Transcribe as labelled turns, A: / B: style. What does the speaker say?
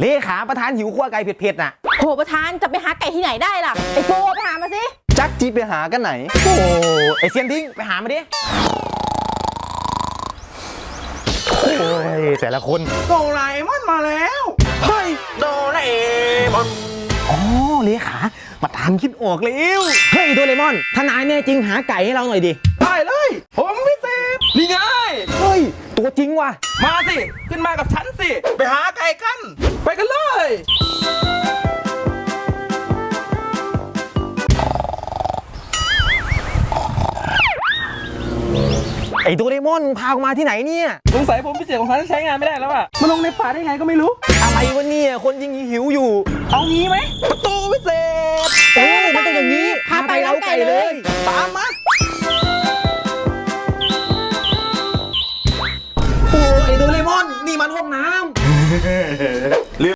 A: เลขาประธานหิวขั้วไก่เผ็ดๆน่ะ
B: โหประธานจะไปหาไก่ที่ไหนได้ล่ะไอ้โฟไปหามาสิ
C: จักจีไปหากันไหน
A: โอ้ไอเซียนทิ้งไปหามาดิโอ้ยแต่ละคน
D: โดราเอมอนมาแล้วเฮ้ยโดราเอมอน
A: อ๋อเลขาประธานคิดออกแล้วเฮ้ยโดเรมอนถ้านายแน่จริงหาไก่ให้เราหน่อยดิ
D: ได้เลยผมพิเศษนี่ไง
A: เฮ้ยตัวจริงว่ะ
D: มาสิขึ้นมากับฉันสิไปหาไก่กันไปกันเลย
A: ไอโดเรมอนพาออกมาที่ไหนเนี่ย
D: สงสัยผมพิเศษของฉันใช้งานไม่ได้แล้วอะมาลงในป่าได้ไงก็ไม่รู้
A: อะไรวะเนี่ยคนยิงหิวอยู่
D: เอางี้ไหมประตูพิเศษ
A: มันต้องอย่างนี้พาไปเล้าไก่เลย